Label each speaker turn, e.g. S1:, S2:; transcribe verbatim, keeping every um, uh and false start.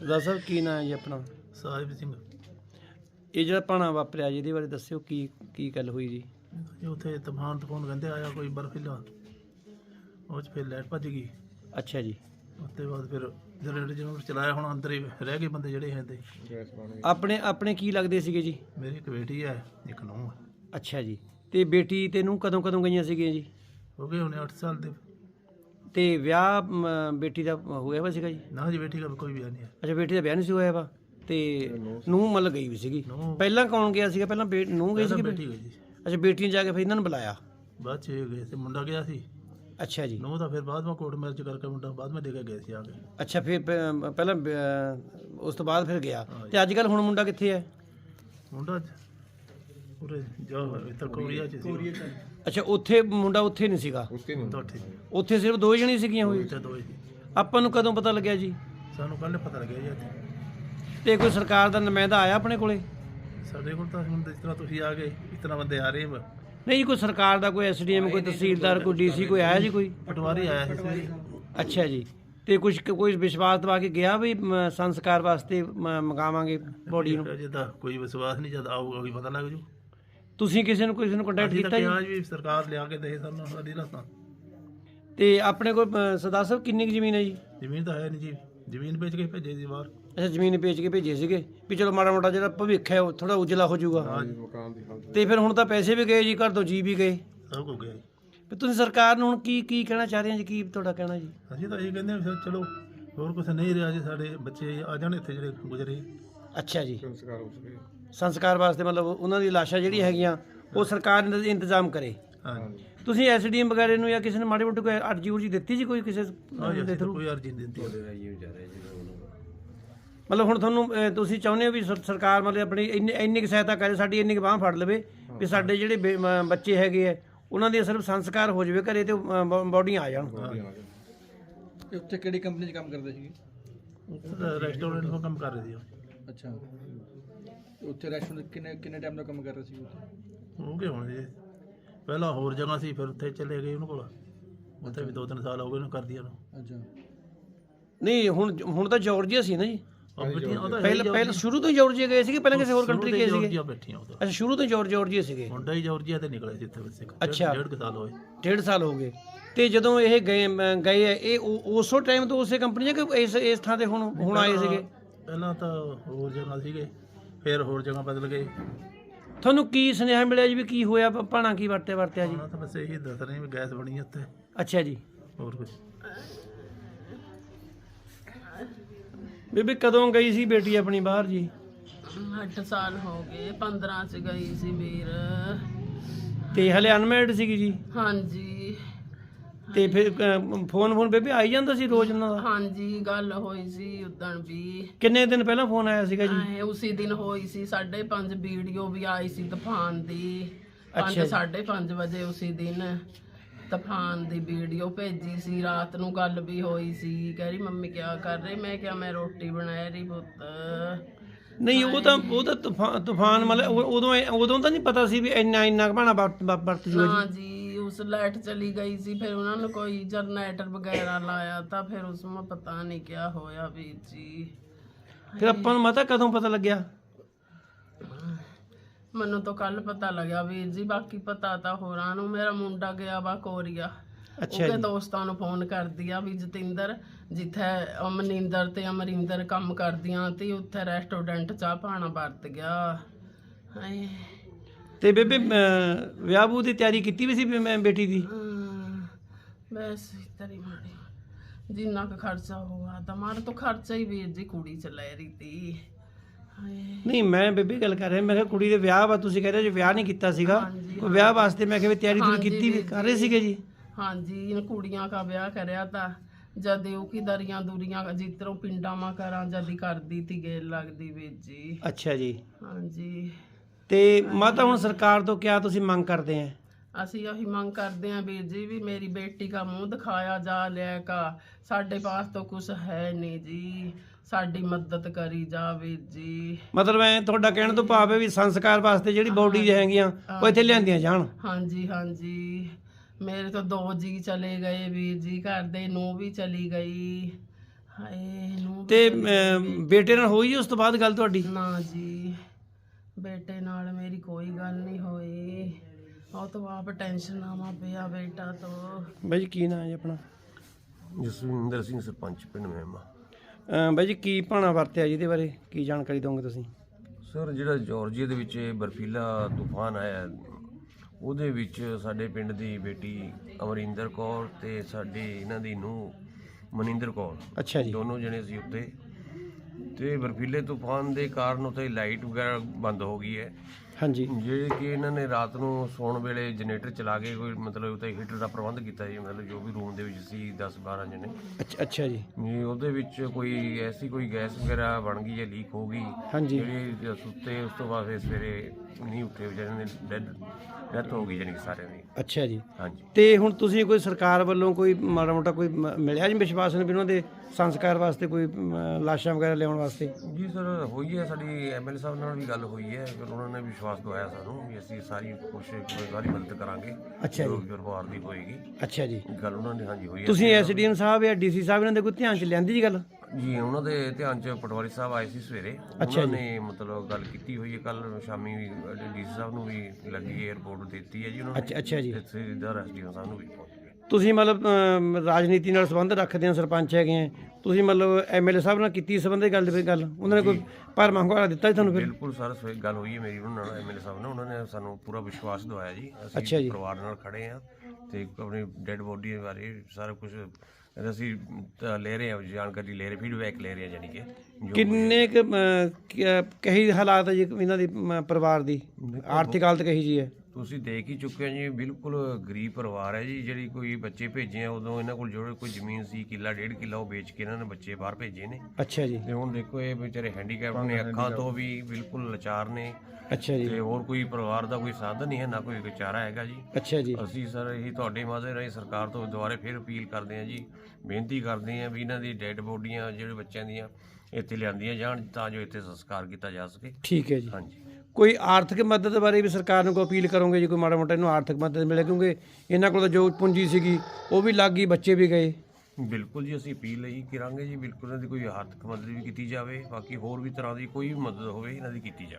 S1: ਸਰਦਾਰ ਸਾਹਿਬ ਕੀ ਨਾਂ ਹੈ ਜੀ ਆਪਣਾ?
S2: ਸਾਹਿਬ ਸਿੰਘ।
S1: ਇਹ ਜਿਹੜਾ ਭਾਣਾ ਵਾਪਰਿਆ ਜੀ ਇਹਦੇ ਬਾਰੇ ਦੱਸਿਓ ਕੀ ਕੀ ਗੱਲ ਹੋਈ ਜੀ?
S2: ਜੀ ਉੱਥੇ ਤੂਫਾਨ ਤੂਫਾਨ ਕਹਿੰਦੇ ਆਇਆ ਕੋਈ ਬਰਫੀਲਾ, ਉਹ 'ਚ ਫਿਰ ਲਾਈਟ ਭੱਜ ਗਈ।
S1: ਅੱਛਾ ਜੀ।
S2: ਉਸ ਤੋਂ ਬਾਅਦ ਫਿਰ ਜਨਰੇਟਰ ਜਿਹਨੂੰ ਚਲਾਇਆ ਹੁਣ ਅੰਦਰ ਹੀ ਰਹਿ ਗਏ ਬੰਦੇ ਜਿਹੜੇ ਹੈਂਦੇ।
S1: ਆਪਣੇ ਆਪਣੇ ਕੀ ਲੱਗਦੇ ਸੀਗੇ ਜੀ?
S2: ਮੇਰੀ ਇੱਕ ਬੇਟੀ ਹੈ, ਇੱਕ ਨੂੰਹ ਹੈ।
S1: ਅੱਛਾ ਜੀ। ਤੇ ਬੇਟੀ ਤੇ ਨੂੰਹ ਕਦੋਂ ਕਦੋਂ ਗਈਆਂ ਸੀਗੀਆਂ ਜੀ?
S2: ਹੋ ਗਏ ਹੁਣੇ ਅੱਠ ਸਾਲ ਦੇ।
S1: ਤੇ ਵਿਆਹ ਮ, ਬੇਟੀ ਦਾ ਹੋਇਆ ਵਾ ਸੀਗਾ ਜੀ?
S2: ਨਾ ਜੀ ਬੇਟੀ ਦਾ ਕੋਈ ਵਿਆਹ ਨਹੀਂ ਹੈ।
S1: ਅੱਛਾ, ਬੇਟੀ ਦਾ ਵਿਆਹ ਨਹੀਂ ਸੀ ਹੋਇਆ ਵਾ। ਤੇ ਨੂੰਹ ਮਤਲਬ ਗਈ ਵੀ ਸੀਗੀ।
S2: ਨੂੰਹ
S1: ਪਹਿਲਾਂ ਕੌਣ ਗਿਆ ਸੀਗਾ? ਪਹਿਲਾਂ ਬੇ ਨੂੰਹ ਗਈ ਸੀਗੀ?
S2: ਬੇਟੀ ਗਈ ਜੀ।
S1: ਅੱਛਾ, ਬੇਟੀ ਨੇ ਜਾ ਕੇ ਫਿਰ ਇਹਨਾਂ ਨੂੰ ਬੁਲਾਇਆ?
S2: ਬਾਅਦ 'ਚ ਇਹ ਗਏ ਤੇ ਮੁੰਡਾ ਗਿਆ ਸੀ।
S1: ਅੱਛਾ ਜੀ।
S2: ਨੂੰਹ ਤਾਂ ਫਿਰ ਬਾਅਦ ਵਿੱਚ ਕੋਰਟ ਮੈਰਿਜ ਕਰਕੇ ਮੁੰਡਾ ਬਾਅਦ ਵਿੱਚ ਦੇ ਕੇ ਗਏ ਸੀ ਆ ਕੇ।
S1: ਅੱਛਾ, ਫਿਰ ਪ- ਪਹਿਲਾਂ ਅਹ, ਉਸ ਤੋਂ ਬਾਅਦ ਫਿਰ ਗਿਆ। ਤੇ ਅੱਜ ਕੱਲ੍ਹ ਹੁਣ ਮੁੰਡਾ ਕਿੱਥੇ ਹੈ?
S2: ਮੁੰਡਾ ਪੂਰੇ ਜੋ ਇੱਥੇ ਕੋਰੀਆ 'ਚ ਸੀ।
S1: ਅੱਛਾ, ਉੱਥੇ ਮੁੰਡਾ ਉੱਥੇ ਨਹੀਂ ਸੀਗਾ?
S2: ਮੁੰਡਾ ਉੱਥੇ
S1: ਉੱਥੇ ਸਿਰਫ ਦੋ ਜਣੇ ਸੀਗੀਆਂ ਹੋਈ?
S2: ਇੱਥੇ ਦੋ ਹੀ ਸੀ।
S1: ਆਪਾਂ ਨੂੰ ਕਦੋਂ ਪਤਾ ਲੱਗਿਆ ਜੀ?
S2: ਸਾਨੂੰ ਕੱਲ੍ਹ ਪਤਾ ਲੱਗਿਆ ਜੀ ਇੱਥੇ।
S1: ਤੇ ਕੋਈ ਸਰਕਾਰ ਦਾ ਨੁਮਾਇੰਦਾ ਆਇਆ ਆਪਣੇ ਕੋਲੇ?
S2: ਸਾਡੇ ਕੋਲ ਤਾਂ ਹੁਣ ਜਿਸ ਤਰ੍ਹਾਂ ਤੁਸੀਂ ਆ ਗਏ ਇਸ ਤਰ੍ਹਾਂ ਬੰਦੇ ਆ ਰਹੇ ਵਾ।
S1: ਨਹੀਂ ਜੀ, ਕੋਈ ਸਰਕਾਰ ਦਾ ਕੋਈ ਐਸਡੀਐਮ, ਕੋਈ ਤਹਿਸੀਲਦਾਰ, ਕੋਈ ਡੀਸੀ ਕੋਈ ਆਇਆ ਜੀ ਕੋਈ?
S2: ਪਟਵਾਰੀ ਆਇਆ ਸੀ ਸਵੇਰੇ।
S1: ਅੱਛਾ ਜੀ। ਤੇ ਕੁਝ ਕੋਈ ਵਿਸ਼ਵਾਸ ਦਵਾ ਕੇ ਗਿਆ ਵੀ ਮ, ਸੰਸਕਾਰ ਵਾਸਤੇ ਮ- ਮੰਗਾਵਾਂਗੇ ਬੋਡੀ ਨੂੰ?
S2: ਅਜੇ ਤਾਂ ਕੋਈ ਵਿਸ਼ਵਾਸ ਨਹੀਂ, ਜਦ ਆਊਗਾ ਵੀ ਪਤਾ ਲੱਗ ਜੂ।
S1: ਤੁਸੀਂ ਕਿਸੇ ਨੂੰ ਕਿਸੇ ਨੂੰ ਕੰਟੈਕਟ
S2: ਅਸੀਂ ਤਾਂ
S1: ਕੀਤਾ
S2: ਕਿਹਾ
S1: ਜੀ?
S2: ਵੀ ਸਰਕਾਰ ਲਿਆ ਕੇ ਦੇ ਸਾਨੂੰ ਸਾਡੀ ਰਸਤਾ।
S1: ਤੇ ਆਪਣੇ ਕੋਲ ਅ, ਸਰਦਾਰ ਸਾਹਿਬ ਕਿੰਨੀ ਕੁ ਜ਼ਮੀਨ ਹੈ ਜੀ?
S2: ਜ਼ਮੀਨ ਤਾਂ ਹੈ ਨਹੀਂ ਜੀ, ਜ਼ਮੀਨ ਵੇਚ ਕੇ ਭੇਜੇ ਸੀ ਬਾਹਰ।
S1: ਅੱਛਾ, ਜ਼ਮੀਨ ਵੇਚ ਕੇ ਭੇਜੇ ਸੀਗੇ ਵੀ ਚਲੋ ਮਾੜਾ ਮੋਟਾ ਜਿਹੜਾ ਭਵਿੱਖ ਹੈ ਉਹ ਥੋੜਾ ਉਜਲਾ ਹੋ ਜਾਊਗਾ। ਤੇ ਫਿਰ ਹੁਣ ਤਾਂ ਪੈਸੇ ਵੀ ਗਏ ਜੀ, ਘਰ ਤੋਂ ਜੀ ਵੀ ਗਏ।
S2: ਸਭ ਕੁਝ ਗਿਆ ਜੀ।
S1: ਵੀ ਤੁਸੀਂ ਸਰਕਾਰ ਨੂੰ ਹੁਣ ਕੀ ਕੀ ਕਹਿਣਾ ਚਾਹ ਰਹੇ ਹੋ ਜੀ? ਕੀ ਤੁਹਾਡਾ ਕਹਿਣਾ ਜੀ?
S2: ਅਸੀਂ ਤਾਂ ਇਹ ਕਹਿੰਦੇ ਵੀ ਚਲੋ ਹੋਰ ਕੁਝ ਨਹੀਂ ਰਿਹਾ ਜੀ, ਸਾਡੇ ਬੱਚੇ ਆ ਜਾਣ ਇੱਥੇ ਜਿਹੜੇ ਗੁਜ਼ਰੇ।
S1: ਅੱਛਾ ਜੀ। ਸੰਸਕਾਰ ਵਾਸਤੇ ਮਤਲਬ ਉਹਨਾਂ ਦੀ ਲਾਸ਼ਾਂ ਜਿਹੜੀਆਂ ਹੈਗੀਆਂ ਉਹ ਸਰਕਾਰ ਨੇ ਇੰਤਜ਼ਾਮ ਕਰੇ।
S2: ਹਾਂਜੀ।
S1: ਤੁਸੀਂ ਐਸਡੀਐਮ ਵਗੈਰਾ ਨੂੰ ਜਾਂ ਕਿਸੇ ਨੇ ਮਾੜੀ ਮੋਟੀ ਕੋਈ ਅਰਜੀ ਉਰਜੀ ਦਿੱਤੀ ਜੀ ਕੋਈ ਕਿਸੇ
S2: ਹਾਂ ਜੀ,
S1: ਦੇ
S2: ਅਸੀਂ ਤਾਂ
S1: ਥਰੂ?
S2: ਕੋਈ ਅਰਜ਼ੀ ਨਹੀਂ ਦਿੱਤੀ।
S1: ਮਤਲਬ ਹੁਣ ਤੁਹਾਨੂੰ ਅਹ, ਤੁਸੀਂ ਚਾਹੁੰਦੇ ਹੋ ਵੀ ਸਰ- ਸਰਕਾਰ ਮਤਲਬ ਆਪਣੀ ਇੰਨੀ ਇੰਨੀ ਕੁ ਸਹਾਇਤਾ ਕਰੇ, ਸਾਡੀ ਇੰਨੀ ਕੁ ਬਾਂਹ ਫੜ ਲਵੇ ਵੀ ਸਾਡੇ ਜਿਹੜੇ ਬੇ- ਮ- ਬੱਚੇ ਹੈਗੇ ਆ ਉਹਨਾਂ ਦੀ ਸਿਰਫ ਸੰਸਕਾਰ ਹੋ ਜਾਵੇ ਘਰੇ ਤੇ ਬੋਡੀਆਂ ਆ ਜਾਣ।
S3: ਉੱਥੇ ਕਿਹੜੀ ਕੰਪਨੀ 'ਚ ਕੰਮ ਕਰਦੇ ਸੀਗੇ?
S2: ਰੈਸਟੋਰੈਂਟ ਤੋਂ ਕੰਮ ਕਰ ਰਹੇ ਸੀ ਉਹ।
S3: ਅੱਛਾ, ਉੱਥੇ ਰੈਸਟੋਰੈਂਟ ਕਿੰਨੇ ਕਿੰਨੇ ਟਾਈਮ ਦਾ ਕੰਮ ਕਰ ਰਹੇ ਸੀ ਉੱਥੇ?
S2: ਹੋ ਗਏ ਹੁਣ ਜੀ, ਪਹਿਲਾਂ ਹੋਰ ਜਗ੍ਹਾ ਸੀ ਫਿਰ ਉੱਥੇ ਚਲੇ ਗਏ ਉਹਨਾਂ ਕੋਲ। ਉੱਥੇ ਵੀ ਦੋ ਤਿੰਨ ਸਾਲ ਹੋ ਗਏ ਉਹਨੂੰ ਕਰਦੀਆਂ ਨੂੰ।
S3: ਅੱਛਾ,
S1: ਨਹੀਂ ਹੁਣ ਹੁਣ ਤਾਂ ਜਾਰਜੀਆ ਸੀ ਨਾ ਜੀ?
S2: ਉਹ ਬੈਠੀਆਂ ਉਹ ਤਾਂ ਹੈ
S1: ਪਹਿਲਾਂ ਪਹਿਲਾਂ ਸ਼ੁਰੂ ਤੋਂ ਹੀ ਜਾਰਜੀਆ ਗਏ ਸੀਗੇ, ਪਹਿਲਾਂ ਕਿਸੇ ਹੋਰ ਕੰਟਰੀ ਗਏ ਸੀਗੇ?
S2: ਜਾਰਜੀਆ ਬੈਠੀਆਂ ਉਹ ਤਾਂ।
S1: ਅੱਛਾ, ਸ਼ੁਰੂ ਤੋਂ ਜਾਰਜ ਜਾਰਜੀਆ ਸੀਗੇ?
S2: ਮੁੰਡਾ ਹੀ ਜਾਰਜੀਆ ਤੇ ਨਿਕਲੇ ਸੀ ਇੱਥੇ ਵਸੇ।
S1: ਅੱਛਾ।
S2: ਡੇਢ ਕੁ ਸਾਲ ਹੋਏ।
S1: ਡੇਢ ਸਾਲ ਹੋ ਗਏ। ਤੇ ਜਦੋਂ ਇਹ ਗਏ ਮ- ਗਏ ਆ, ਇਹ ਉ- ਉਸੋ ਟਾਈਮ ਤੋਂ ਉਸੇ ਕੰਪਨੀ ਕਿ ਇਸ ਇਸ ਥਾਂ ਤੇ ਹੁਣ ਹੁਣ ਆਏ ਸੀਗੇ?
S2: ਪਹਿਲਾਂ ਤਾਂ ਹੋਰ ਜਗ੍ਹਾ ਸੀਗੇ, ਫਿਰ ਹੋਰ ਜਗ੍ਹਾ ਬਦਲ ਗਏ।
S1: ਤੁਹਾਨੂੰ ਕੀ ਸੁਨੇਹਾ ਮਿਲਿਆ ਜੀ ਵੀ ਕੀ ਹੋਇਆ, ਭ- ਭਾਣਾ ਕੀ ਵਰਤਿਆ ਵਰਤਿਆ ਜੀ?
S2: ਉਹਨਾਂ ਤਾਂ ਬਸ ਇਹੀ ਦੱਸ ਰਹੇ ਵੀ ਗੈਸ ਬਣੀ ਉੱਥੇ,
S1: ਅੱਛਾ ਜੀ।
S2: ਹੋਰ ਕੁਝ।
S1: ਬੇਬੇ ਕਦੋਂ ਗਈ ਸੀ ਬੇਟੀ ਆਪਣੀ ਬਾਹਰ ਜੀ?
S4: ਅੱਠ ਸਾਲ ਹੋ ਗਏ, ਪੰਦਰਾਂ ਚ ਗਈ ਸੀ ਵੀਰ।
S1: ਤੇ ਹਲੇ ਅਨਮੈਰਿਡ ਸੀਗੀ ਜੀ?
S4: ਹਾਂਜੀ
S1: ਤੇ ਫਿਰ ਅ, ਫੋਨ ਫੋਨ ਬੇਬੇ ਆਈ ਜਾਂਦਾ ਸੀ ਰੋਜ਼ ਉਹਨਾਂ ਦਾ?
S4: ਹਾਂਜੀ, ਗੱਲ ਹੋਈ ਸੀ ਉਦਣ ਵੀ।
S1: ਕਿੰਨੇ ਦਿਨ ਪਹਿਲਾਂ ਫੋਨ ਆਇਆ ਸੀਗਾ ਜੀ?
S4: ਐ ਉਸੇ ਦਿਨ ਹੋਈ ਸੀ। ਸਾਢੇ ਪੰਜ ਵੀਡੀਓ ਵੀ ਆਈ ਸੀ ਤੂਫਾਨ ਦੀ।
S1: ਅੱਛਾ
S4: ਪੰਜ
S1: ਜੀ।
S4: ਸਾਢੇ ਪੰਜ ਵਜੇ ਉਸੇ ਦਿਨ ਤੂਫਾਨ ਦੀ ਵੀਡੀਓ ਭੇਜੀ ਸੀ। ਰਾਤ ਨੂੰ ਗੱਲ ਵੀ ਹੋਈ ਸੀ। ਕਹਿ ਰਹੀ ਮੰਮੀ ਕਿਆ ਕਰ ਰਹੀ? ਮੈਂ ਕਿਹਾ ਮੈਂ ਰੋਟੀ ਬਣਾ ਰਹੀ ਪੁੱਤ।
S1: ਨਹੀਂ, ਉਹ ਤਾਂ ਉਹ ਤਾਂ ਤੂਫਾਨ ਤੂਫਾਨ ਮਤਲਬ ਉਹ- ਉਦੋਂ ਇਹ- ਉਦੋਂ ਤਾਂ ਨਹੀਂ ਪਤਾ ਸੀ ਵੀ ਇੰਨਾ ਇੰਨਾ ਕੁ ਭਾਣਾ ਵਰਤ ਵਰਤ ਵਰਤ ਜੂਗਾ
S4: ਨਾ
S1: ਜੀ?
S4: ਜੀ, ਉਸ ਲਾਈਟ ਚਲੀ ਗਈ ਸੀ। ਫਿਰ ਉਹਨਾਂ ਨੇ ਕੋਈ ਜਨਰੇਟਰ ਵਗੈਰਾ ਲਾਇਆ ਤਾਂ ਫਿਰ ਉਸ ਨੂੰ ਪਤਾ ਨਹੀਂ ਕਿਆ ਹੋਇਆ ਵੀਰ ਜੀ।
S1: ਫਿਰ ਆਪਾਂ ਨੂੰ ਮਤਾ ਕਦੋਂ ਪਤਾ ਲੱਗਿਆ?
S4: ਮੈਨੂੰ ਤਾਂ ਕੱਲ ਪਤਾ ਲੱਗਿਆ ਵੀਰ ਜੀ, ਬਾਕੀ ਪਤਾ ਤਾਂ ਹੋਰਾਂ ਨੂੰ। ਮੇਰਾ ਮੁੰਡਾ ਗਿਆ ਵਾ ਕੋਰੀਆ।
S1: ਅੱਛਾ
S4: ਉਹਦੇ
S1: ਜੀ।
S4: ਦੋਸਤਾਂ ਨੂੰ ਫੋਨ ਕਰਦੀ ਆ ਵੀ ਜਤਿੰਦਰ ਜਿੱਥੇ ਅਮਨਿੰਦਰ ਤੇ ਅਮਰਿੰਦਰ ਕੰਮ ਕਰਦੀਆਂ ਤੇ ਉੱਥੇ ਰੈਸਟੋਰੈਂਟ ਚਾਹ ਪਾਣਾ ਵਰਤ ਗਿਆ। ਹਾਏ
S1: ਤੇ ਬੇਬੇ ਅ, ਵਿਆਹ ਵੂ ਦੀ ਤਿਆਰੀ ਕੀਤੀ ਵੀ ਸੀ ਵੀ ਮੈਂ ਬੇਟੀ ਦੀ?
S4: ਹਮ, ਬਸ ਤੇਰੀ ਮਾੜੀ ਜਿੰਨਾ ਕੁ ਖਰਚਾ ਹੋਗਾ ਤਾਂ ਮਾਰੇ ਤੋਂ ਖਰਚਾ ਹੀ ਵੀਰ ਜੀ ਕੁੜੀ ਚ ਲੈ ਰਹੀ ਤੀ। ਹਾਏ
S1: ਨਹੀਂ, ਮੈਂ ਬੇਬੇ ਗੱਲ ਕਰ ਰਿਹਾ, ਮੈਂ ਕਿਹਾ ਕੁੜੀ ਦੇ ਵਿਆਹ ਵਾ, ਤੁਸੀਂ ਕਹਿ ਰਹੇ ਜੇ ਵਿਆਹ ਨਹੀਂ ਕੀਤਾ ਸੀਗਾ
S4: ਹਾਂਜੀ,
S1: ਕੋਈ ਵਿਆਹ ਵਾਸਤੇ, ਮੈਂ ਕਿਹਾ ਵੀ ਤਿਆਰੀ ਤੁਸੀਂ
S4: ਹਾਂਜੀ
S1: ਕੀਤੀ ਵੀ
S4: ਵੀਰ
S1: ਕਰ ਰਹੇ ਸੀਗੇ ਜੀ?
S4: ਹਾਂਜੀ, इन कुड़ियां का ब्याह करया था जद की दरिया दुरिया जितरों पिंडा मा करा जदी कर दी थी गेल लगदी वीर जी।
S1: ਅੱਛਾ ਜੀ।
S4: ਹਾਂਜੀ,
S1: ਤੇ ਮਾਤਾ ਹੁਣ ਸਰਕਾਰ ਤੋਂ ਕਿਆ ਤੁਸੀਂ ਮੰਗ ਕਰਦੇ ਆ?
S4: ਅਸੀਂ ਇਹੀ ਮੰਗ ਕਰਦੇ ਆਂ ਵੀਰ ਜੀ ਵੀ ਮੇਰੀ बेटी का मुंह दिखाया जा लिया का। साडे पास तो कुछ है नहीं जी, ਸਾਡੀ ਮਦਦ ਕਰੀ ਜਾ ਵੀਰ ਜੀ।
S1: ਮਤਲਬ ਐ ਤੁਹਾਡਾ ਕਹਿਣ ਤੋਂ ਭਾਵ ਹੈ ਵੀ ਸੰਸਕਾਰ ਵਾਸਤੇ ਜਿਹੜੀ ਬੋਡੀ ਹੈਗੀਆਂ ਉਹ ਇੱਥੇ ਲਿਆਂਦੀਆਂ ਜਾਣ?
S4: ਹਾਂਜੀ ਹਾਂਜੀ, ਮੇਰੇ ਤੋਂ ਦੋ ਜੀ ਚਲੇ ਗਏ ਵੀਰ ਜੀ, ਘਰ ਦੇ ਨੂੰ ਵੀ ਚਲੀ ਗਈ। ਹਾਏ ਨੂੰ
S1: ਤੇ ਅਮ, ਬੇਟੇ ਨਾਲ ਹੋਈ ਜੀ ਉਸ ਤੋਂ ਬਾਅਦ ਗੱਲ ਤੁਹਾਡੀ?
S4: ਨਾ ਜੀ, ਬੇਟੇ ਨਾਲ ਮੇਰੀ ਕੋਈ ਗੱਲ ਨਹੀਂ ਹੋਈ। ਉਹ ਤੋਂ ਆਪ ਟੈਨਸ਼ਨ ਆਵਾ ਪਿਆ ਬੇਟਾ ਤੋਂ।
S1: ਬਾਈ ਜੀ ਕੀ ਨਾਂ ਹੈ ਜੀ ਆਪਣਾ?
S5: ਜਸਵਿੰਦਰ ਸਿੰਘ ਸਰਪੰਚ ਪਿੰਡ ਮਹਿਮਾ।
S1: ਅਮ, ਬਾਈ ਜੀ ਕੀ ਭਾਣਾ ਵਰਤਿਆ ਜੀ, ਇਹਦੇ ਬਾਰੇ ਕੀ ਜਾਣਕਾਰੀ ਦਿਓਗੇ ਤੁਸੀਂ?
S5: ਸਰ ਜਿਹੜਾ ਜਾਰਜੀਆ ਦੇ ਵਿੱਚ ਇਹ ਬਰਫੀਲਾ ਤੂਫਾਨ ਆਇਆ, ਉਹਦੇ ਵਿੱਚ ਸਾਡੇ ਪਿੰਡ ਦੀ ਬੇਟੀ ਅਮਰਿੰਦਰ ਕੌਰ ਤੇ ਸਾਡੇ ਇਹਨਾਂ ਦੀ ਨੂੰਹ ਮਨਿੰਦਰ ਕੌਰ,
S1: ਅੱਛਾ ਜੀ।
S5: ਦੋਨੋਂ ਜਣੇ ਸੀ ਉੱਤੇ, ਤੇ ਬਰਫੀਲੇ ਤੂਫਾਨ ਦੇ ਕਾਰਨ ਉੱਥੇ ਲਾਈਟ ਵਗੈਰਾ ਬੰਦ ਹੋ ਗਈ ਹੈ।
S1: ਹਾਂਜੀ
S5: ਜਿਹੜੇ ਕਿ ਇਹਨਾਂ ਨੇ ਰਾਤ ਨੂੰ ਸੌਣ ਵੇਲੇ ਜਨਰੇਟਰ ਚਲਾ ਕੇ ਕੋਈ ਮਤਲਬ ਉੱਤੇ ਹੀਟਰ ਦਾ ਪ੍ਰਬੰਧ ਕੀਤਾ ਜੀ, ਮਤਲਬ ਜੋ ਵੀ ਰੂਮ ਦੇ ਵਿੱਚ ਸੀ ਦਸ ਬਾਰਾਂ ਜਣੇ
S1: ਅੱਛਾ ਅੱਛਾ ਜੀ।
S5: ਜੀ, ਉਹਦੇ ਵਿੱਚ ਕੋਈ ਐਸੀ ਕੋਈ ਗੈਸ ਵਗੈਰਾ ਬਣ ਗਈ ਜਾਂ ਲੀਕ ਹੋ ਗਈ,
S1: ਹਾਂਜੀ
S5: ਜਿਹੜੇ ਸੁੱਤੇ ਉਸ ਤੋਂ ਬਾਅਦ ਫਿਰ ਸਵੇਰੇ ਨਹੀਂ ਉੱਠੇ, ਵਿਚਾਰੇ ਨੇ ਡੈਡ ਡੈਥ ਹੋ ਗਈ ਜਾਣੀ ਕਿ ਸਾਰਿਆਂ ਦੀ।
S1: ਅੱਛਾ ਜੀ।
S5: ਹਾਂਜੀ
S1: ਤੇ ਹੁਣ ਤੁਸੀਂ ਕੋਈ ਸਰਕਾਰ ਵੱਲੋਂ ਕੋਈ ਮਾੜਾ ਮੋਟਾ ਕੋਈ ਮ- ਮਿਲਿਆ ਜੀ ਵਿਸ਼ਵਾਸ ਵੀ ਉਹਨਾਂ ਦੇ ਸੰਸਕਾਰ ਵਾਸਤੇ ਕੋਈ ਅਮ, ਲਾਸ਼ਾਂ ਵਗੈਰਾ ਲਿਆਉਣ ਵਾਸਤੇ?
S5: ਜੀ ਸਰ, ਹੋਈ ਹੈ ਸਾਡੀ ਐਮਐਲਏ ਸਾਹਿਬ ਨਾਲ ਵੀ ਗੱਲ ਹੋਈ ਹੈ, ਫਿਰ ਉਹਨਾਂ ਨੇ ਵਿਸ਼ਵਾਸ ਦਵਾਇਆ ਸਾਨੂੰ ਵੀ ਅਸੀਂ ਸਾਰੀ ਕੋਸ਼ਿਸ਼ ਸਾਰੀ ਮਦਦ ਕਰਾਂਗੇ
S1: ਅੱਛਾ
S5: ਜੋ
S1: ਜੀ।
S5: ਪਰਿਵਾਰ ਦੀ ਹੋਏਗੀ।
S1: ਅੱਛਾ ਜੀ।
S5: ਗੱਲ ਉਹਨਾਂ ਨੇ ਹਾਂਜੀ ਹੋਈ ਹੈ।
S1: ਤੁਸੀਂ ਐਸਡੀਐਮ ਸਾਹਿਬ ਜਾਂ ਡੀਸੀ ਸਾਹਿਬ ਇਹਨਾਂ ਦੇ ਕੋਈ ਧਿਆਨ ਚ ਲਿਆਂਦੀ ਜੀ ਗੱਲ?
S5: ਜੀ ਉਹਨਾਂ ਦੇ ਧਿਆਨ ਚ ਪਟਵਾਰੀ ਸਾਹਿਬ ਆਏ ਸੀ ਸਵੇਰੇ, ਉਹਨਾਂ ਨੇ ਮਤਲਬ ਗੱਲ ਕੀਤੀ ਹੋਈ ਹੈ। ਕੱਲ ਸ਼ਾਮੀ ਵੀ ਡੀਸੀ ਸਾਹਿਬ ਨੂੰ ਵੀ ਲੱਗੀ ਹੈ, ਰਿਪੋਰਟ ਦਿੱਤੀ ਹੈ ਜੀ ਉਹਨਾਂ
S1: ਅੱਛਾ ਅੱਛਾ ਜੀ।
S5: ਨੇ, ਤੇ ਇਧਰ ਐਸਡੀਓ ਸਾਹਿਬ ਨੂੰ ਵੀ ਪਹੁੰਚ ਗਏ।
S1: ਤੁਸੀਂ ਮਤਲਬ ਅਮ, ਰਾਜਨੀਤੀ ਨਾਲ ਸੰਬੰਧ ਰੱਖਦੇ ਹੋ, ਸਰਪੰਚ ਹੈਗੇ ਆ ਤੁਸੀਂ, ਮਤਲਬ ਐਮਐਲਏ ਸਾਹਿਬ ਨਾਲ ਕੀਤੀ ਇਸ ਸੰਬੰਧੀ ਗੱਲ ਵੀ ਗੱਲ ਉਹਨਾਂ ਨੇ ਕੋਈ ਭਰਮਾ ਹੁੰਗਾਰਾ ਦਿੱਤਾ ਜੀ ਤੁਹਾਨੂੰ ਫਿਰ?
S5: ਬਿਲਕੁਲ ਸਰ, ਸਵੇਰੇ ਗੱਲ ਹੋਈ ਹੈ ਮੇਰੀ ਉਹਨਾਂ ਨਾਲ, ਐਮਐਲਏ ਸਾਹਿਬ ਨਾਲ, ਉਹਨਾਂ ਨੇ ਸਾਨੂੰ ਪੂਰਾ ਵਿਸ਼ਵਾਸ ਦਵਾਇਆ ਜੀ।
S1: ਅੱਛਾ
S5: ਅਸੀਂ
S1: ਜੀ।
S5: ਪਰਿਵਾਰ ਨਾਲ ਖੜੇ ਹਾਂ ਤੇ ਆਪਣੀ ਡੈੱਡ ਬੋਡੀ ਬਾਰੇ ਸਾਰਾ ਕੁਝ ਅਸੀਂ ਤਾਂ ਲੈ ਰਹੇ ਹਾਂ, ਜਾਣਕਾਰੀ ਲੈ ਰਹੇ, ਫੀਡਬੈਕ ਲੈ ਰਹੇ ਹਾਂ, ਜਾਣੀ ਕਿ ਜੋ
S1: ਕਿੰਨੇ ਕੁ, ਅਮ, ਕ- ਕਹੀ ਹਾਲਾਤ ਹੈ ਜੀ ਇਹਨਾਂ ਦੀ, ਅਮ, ਪਰਿਵਾਰ ਦੀ ਆਰਥਿਕ ਹਾਲਤ ਕਹੀ ਜੀ ਹੈ?
S5: ਤੁਸੀਂ ਦੇਖ ਹੀ ਚੁੱਕੇ ਹੋ ਜੀ, ਬਿਲਕੁਲ ਗਰੀਬ ਪਰਿਵਾਰ ਹੈ ਜੀ। ਜਿਹੜੀ ਕੋਈ ਬੱਚੇ ਭੇਜੇ ਆ, ਉਦੋਂ ਇਹਨਾਂ ਕੋਲ ਜਿਹੜੇ ਕੋਈ ਜ਼ਮੀਨ ਸੀ ਕਿੱਲਾ ਡੇਢ ਕਿੱਲਾ, ਉਹ ਵੇਚ ਕੇ ਇਹਨਾਂ ਨੇ ਬੱਚੇ ਬਾਹਰ ਭੇਜੇ ਨੇ।
S1: ਅੱਛਾ ਜੀ।
S5: ਤੇ ਹੁਣ ਦੇਖੋ ਇਹ ਵਿਚਾਰੇ ਹੈਂਡੀਕੈਪ ਨੇ, ਅੱਖਾਂ ਤੋਂ ਵੀ ਬਿਲਕੁਲ ਲਾਚਾਰ ਨੇ,
S1: ਅੱਛਾ ਜੀ।
S5: ਤੇ ਹੋਰ ਕੋਈ ਪਰਿਵਾਰ ਦਾ ਕੋਈ ਸਾਧਨ ਨਹੀਂ ਹੈ, ਨਾ ਕੋਈ ਚਾਰਾ ਹੈਗਾ ਜੀ।
S1: ਅੱਛਾ ਜੀ।
S5: ਅਸੀਂ ਸਰ ਇਹ ਤੁਹਾਡੇ ਮਾਧਿਅਮ ਰਾਹੀਂ ਸਰਕਾਰ ਤੋਂ ਦੁਬਾਰੇ ਫਿਰ ਅਪੀਲ ਕਰਦੇ ਹਾਂ ਜੀ, ਬੇਨਤੀ ਕਰਦੇ ਹਾਂ ਵੀ ਇਹਨਾਂ ਦੀ ਡੈੱਡ ਬੋਡੀਆਂ ਜਿਹੜੇ ਬੱਚਿਆਂ ਦੀਆਂ ਇੱਥੇ ਲਿਆਂਦੀਆਂ ਜਾਣ, ਤਾਂ ਜੋ ਇੱਥੇ ਸੰਸਕਾਰ ਕੀਤਾ ਜਾ ਸਕੇ।
S1: ਠੀਕ ਹੈ ਜੀ।
S5: ਹਾਂਜੀ।
S1: ਕੋਈ ਆਰਥਿਕ ਮਦਦ ਬਾਰੇ ਵੀ ਸਰਕਾਰ ਨੂੰ ਕੋਈ ਅਪੀਲ ਕਰੋਗੇ ਜੀ, ਕੋਈ ਮਾੜਾ ਮੋਟਾ ਇਹਨੂੰ ਆਰਥਿਕ ਮਦਦ ਮਿਲੇ? ਕਿਉਂਕਿ ਇਹਨਾਂ ਕੋਲ ਤਾਂ ਜੋ ਪੂੰਜੀ ਸੀਗੀ ਉਹ ਵੀ ਲੱਗ ਗਈ, ਬੱਚੇ ਵੀ ਗਏ।
S5: ਬਿਲਕੁਲ ਜੀ, ਅਸੀਂ ਅਪੀਲ ਇਹੀ ਕਰਾਂਗੇ ਜੀ, ਬਿਲਕੁਲ ਇਹਨਾਂ ਦੀ ਕੋਈ ਆਰਥਿਕ ਮਦਦ ਵੀ ਕੀਤੀ ਜਾਵੇ, ਬਾਕੀ ਹੋਰ ਵੀ ਤਰ੍ਹਾਂ ਦੀ ਕੋਈ ਵੀ ਮਦਦ ਹੋਵੇ ਇਹਨਾਂ ਦੀ ਕੀਤੀ ਜਾਵੇ।